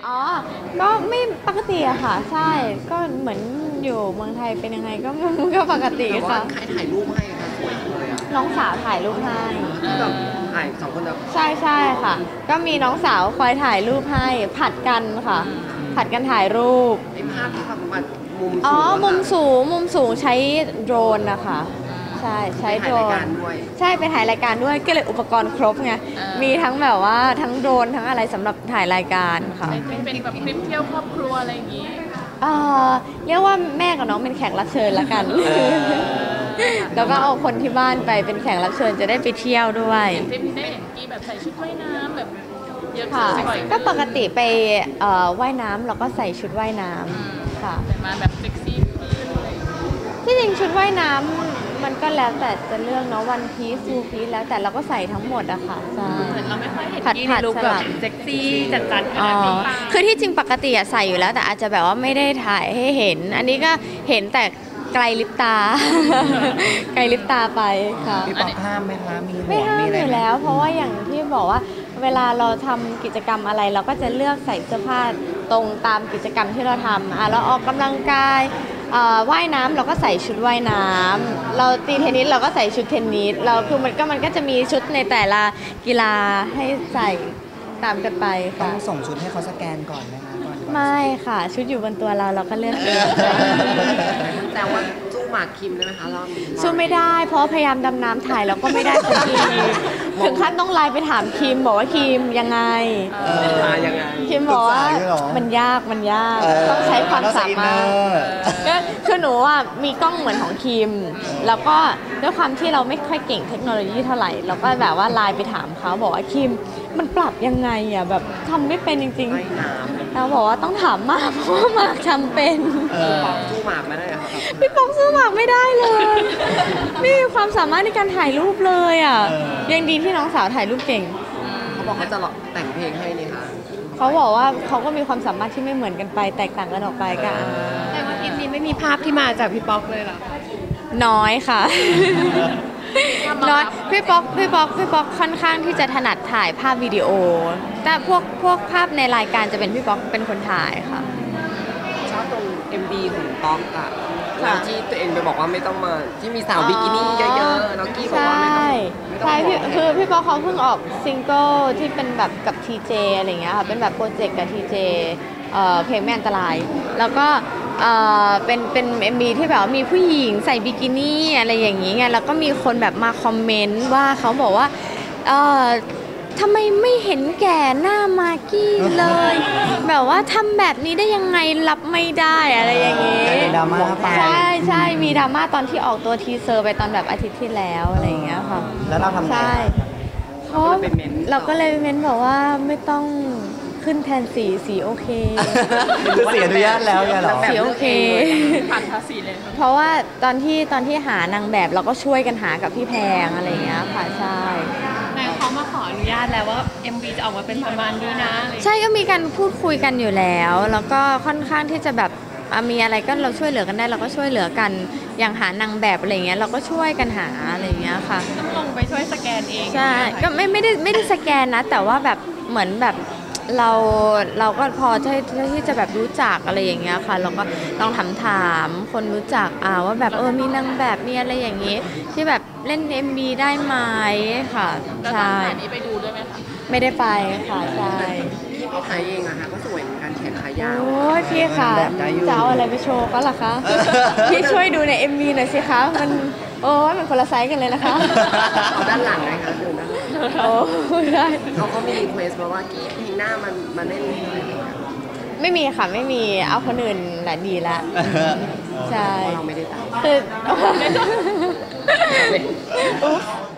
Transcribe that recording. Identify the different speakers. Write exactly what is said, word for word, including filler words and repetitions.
Speaker 1: อ๋อก็ไม่ปกติอะค่ะใช่ก็เหมือนอยู่เมืองไทยเป็นยังไงก็ก็ปกติ
Speaker 2: แต่ว่า
Speaker 1: ค่ะ
Speaker 2: ใครถ่ายรูปให้คะสวยเลยอ่ะ
Speaker 1: น้องสาวถ่ายรูปให้
Speaker 2: แบบถ่ายสองคนแบบ
Speaker 1: ใช่ใช่ค่ะ ก็มีน้องสาวคอยถ่ายรูปให้ผัดกันค่ะ ผัดกันถ่ายรูป
Speaker 2: ไอ้ภาพที่แบบมันมุมสูง
Speaker 1: อ๋อมุม
Speaker 2: อะ
Speaker 1: สูงมุมสูงใช้โดรนนะคะใช่ใช้
Speaker 2: ไป
Speaker 1: โดร
Speaker 2: ถ่ายราย
Speaker 1: น
Speaker 2: การด้วย
Speaker 1: ใช่ไปถ่ายรายการด้วยก็เลยอุปกรณ์ครบไงมีทั้งแบบว่าทั้งโดรนทั้งอะไรสำหรับถ่ายรายการค่ะ
Speaker 3: เป็นแบบคลิปเที่ยวครอบครัวอะไรอย่างนี้
Speaker 1: เอ่อเรียกว่าแม่กับน้องเป็นแขกรับเชิญละกัน แล้วก็เอาคนที่บ้านไปเป็นแขกรับเชิญจะได้ไปเที่ยวด้วย
Speaker 3: คลิปนี้ได้เห็นกีแบบใส่ชุดว่ายน้ำแบบเยอะ
Speaker 1: ค่ะ
Speaker 3: บ่อย
Speaker 1: ก็ปกติไปเอ่อว่ายน้ำเราก็ใส่ชุดว่ายน้ำค่ะ
Speaker 3: แต่มาแบบเซ็กซี่ขึ้นอะไรอย่างงี้
Speaker 1: ที่จริงชุดว่ายน้ำมันก็แล้วแต่จะเลือกเนาะวันพีซฟูพีซแล้วแต่เราก็ใส่ทั้งหมดอะค่ะใช่
Speaker 3: เหมือนเราไม่ค่อยเห็น
Speaker 1: ผัด
Speaker 3: กี
Speaker 1: ผั
Speaker 3: ใน
Speaker 1: ด
Speaker 3: ลุค
Speaker 1: ส
Speaker 3: แบ
Speaker 1: ลั
Speaker 3: บบ เซ็กซี่จัดๆข
Speaker 1: อ๋อ
Speaker 3: นาดนี้
Speaker 1: คือที่จริงปกติอะใส่อยู่แล้วแต่อาจจะแบบว่าไม่ได้ถ่ายให้เห็น อันนี้ก็เห็นแต่ไกลลิปตา ไกลลิปตาไปค่ะ
Speaker 4: พี่ป๊อกห้ามไหมคะ มีห่
Speaker 1: ไม่
Speaker 4: วง
Speaker 1: ห้าม
Speaker 4: มีอะไร
Speaker 1: อยู่
Speaker 4: ไหม
Speaker 1: แล้ว เพราะว่าอย่างที่บอกว่าเวลาเราทำกิจกรรมอะไร เราก็จะเลือกใส่เสื้อผ้าตรงตามกิจกรรมที่เราทำอ่ะเราออกกำลังกายเอ่อว่ายน้ำเราก็ใส่ชุดว่ายน้ำเราตีเทนนิสเราก็ใส่ชุดเทนนิสเราคือมันก็มันก็จะมีชุดในแต่ละกีฬาให้ใส่ตามกันไป
Speaker 4: ต้อ
Speaker 1: ค่ะ
Speaker 4: งส่งชุดให้เขาสแกนก่อนไหมคะก่อนจะ
Speaker 1: ไม่ค่ะ ชุดอยู่บนตัวเราเราก็เลือกเอง
Speaker 2: แต่ว่าสู้หมากคิมได้ไหมคะรอบนี้
Speaker 1: สู้ไม่ได้ เพราะพยายามดำน้ำถ่ายแล้วก็ไม่ได้สักทีถึงขั้นต้องไลน์ไปถามคิมบอกว่าคิมยังไง
Speaker 2: เออมายังไง
Speaker 1: คิมบอกว่า
Speaker 4: ปรึกษาด้วยเหรอ
Speaker 1: มันยากมันยาก
Speaker 4: เออ
Speaker 1: ต้องใช้ความสามารถ
Speaker 4: เออ
Speaker 1: ก็คือหนูอ่ะมีกล้องเหมือนของคิม แล้วก็ด้วยความที่เราไม่ค่อยเก่งเทคโนโลยีเท่าไหร่เราก็แบบว่าไลน์ไปถามเขาบอกว่าคิมมันปรับยังไงอ่ะแบบทำไม่เป็นจริง
Speaker 2: ว่ายน้ำ
Speaker 1: ๆเราบอกว่าต้องถามมากเพราะว่ามากทำเป็น
Speaker 4: เออ
Speaker 2: ป๊อกสู้หมากไม่ได้เหรอครับ
Speaker 1: พี่ป๊อกสู้หมากไม่ได้เลย ไม่มีความสามารถในการถ่ายรูปเลยอ่ะ
Speaker 4: เออ
Speaker 1: ยังดีที่น้องสาวถ่ายรูปเก่ง
Speaker 2: เขาบอกเขาจะแต่งเพลงให้นี่ค่ะ
Speaker 1: เขาบอกว่าเขาก็มีความสามารถที่ไม่เหมือนกันไป แตกต่างกันออกไปก็อ่า
Speaker 3: แต่ว่าคลิปนี้ไม่มีภาพที่มาจากพี่ป๊อกเลยเหรอ
Speaker 1: น้อยค่ะ น้อยพี่ป๊อกพี่ป๊อกพี่ป๊อกค่อนข้างที่จะถนัดถ่ายภาพวิดีโอ แต่พวกพวกภาพในรายการจะเป็นพี่ป๊อกเป็นคนถ่ายค่ะ
Speaker 2: ชอบตรง เอ็ม วี ของป๊อกอะแล้วที่ตัวเองไปบอกว่าไม่ต้องมาที่มีสาวบิกินี่เยอะๆแล้วกี้บอก
Speaker 1: ใช่
Speaker 2: ว่าไม่ต้องไม่ต้อง
Speaker 1: ใช่พี่
Speaker 2: ห่วง
Speaker 1: คือพี่ป๊อกเขาเพิ่งออกซิงเกิลที่เป็นแบบกับทีเจอะไรเงี้ยค่ะเป็นแบบโปรเจกต์กับทีเจเอ่อเพลงไม่อันตราย แล้วก็เอ่อเป็นเป็นเอ็มบีที่แบบว่ามีผู้หญิงใส่บิกินี่อะไรอย่างงี้ไงแล้วก็มีคนแบบมาคอมเมนต์ว่าเขาบอกว่าเอ่อทำไมไม่เห็นแก่หน้ามากกี้เลย แบบว่าทำแบบนี้ได้ยังไงรับไม่ได้อะไรอย่างงี้
Speaker 4: ดราม่าไป
Speaker 1: ใช่ใช่มีดราม่าตอนที่ออกตัวทีเซอร์ไปตอนแบบอาทิตย์ที่แล้วอะไรอย่างเงี้ยค่ะ
Speaker 4: แล้วเราทำไง
Speaker 1: ใช่เพราะเราก็เลยเม้นบอกว่าไม่ต้องขึ้นแทนสีสีโอเค
Speaker 4: คือเสียอนุญาตแล้วเนี่ยเหรอ
Speaker 1: สีโอเค
Speaker 3: ผ่านภาษีเลย
Speaker 1: เพราะว่าตอนที่ตอนที่หานางแบบเราก็ช่วยกันหากับพี่แพงอะไรอย่างเงี้ยค่ะใช่
Speaker 3: นายเขามาขออนุญาตแล้วว่า เอ็ม วี จะออกมาเป็นประมาณนี้นะอะไรอย่างเงี้ย
Speaker 1: ใช่ก็มีการพูดคุยกันอยู่แล้ว แล้วก็ค่อนข้างที่จะแบบอ่ะมีอะไรก็เราช่วยเหลือกันได้เราก็ช่วยเหลือกันอย่างหานางแบบอะไรเงี้ยเราก็ช่วยกันหาอะไรเงี้ยค่ะ
Speaker 3: ต้องลงไปช่วยสแกนเอง
Speaker 1: ใช่ก็ไม่ไม่ได้ไม่ได้สแกนนะ แต่ว่าแบบเหมือนแบบเราเราก็พอที่ที่จะแบบรู้จักอะไรอย่างเงี้ยค่ะเราก็ลองถามถามคนรู้จักอ่าว่าแบบเออมีนางแบบมีอะไรอย่างงี้ ที่แบบเล่น เอ็ม วี ได้ไหมค่ะ
Speaker 3: แล้วตอน
Speaker 1: ใช่
Speaker 3: ถ่ายนี้ไปดูด้วยไหมคะ
Speaker 1: ไม่ได้ไปค่ะใช่
Speaker 2: พี่พี่ไทยเองอะค่ะก็สวยเหมือนกันแขนขายาว
Speaker 1: โอ้ยพี่ค่ะ
Speaker 4: แบบได้อยู่
Speaker 1: จะเอาอะไรไปโชว์ก็ล่ะคะ พี่ช่วยดูใน เอ็ม วี หน่อยสิคะมันโอ้ยมันคนละไซส์กันเลยนะคะ
Speaker 2: เอาด้านหลังเลยค่ะดูด้านหลัง
Speaker 1: โอ้ยได้
Speaker 2: เขาก็มีรีเควสมาว่ากี้เพลงหน้ามันมาเล่นให้หน่อยอะไรอย่างเงี้ย
Speaker 1: ไม่มีค่ะไม่มีเอาคนอื่นแหละดีละใช่
Speaker 2: เพราะเราไม่ได้ตาม
Speaker 1: คือ
Speaker 2: เล่น
Speaker 1: อุ๊บ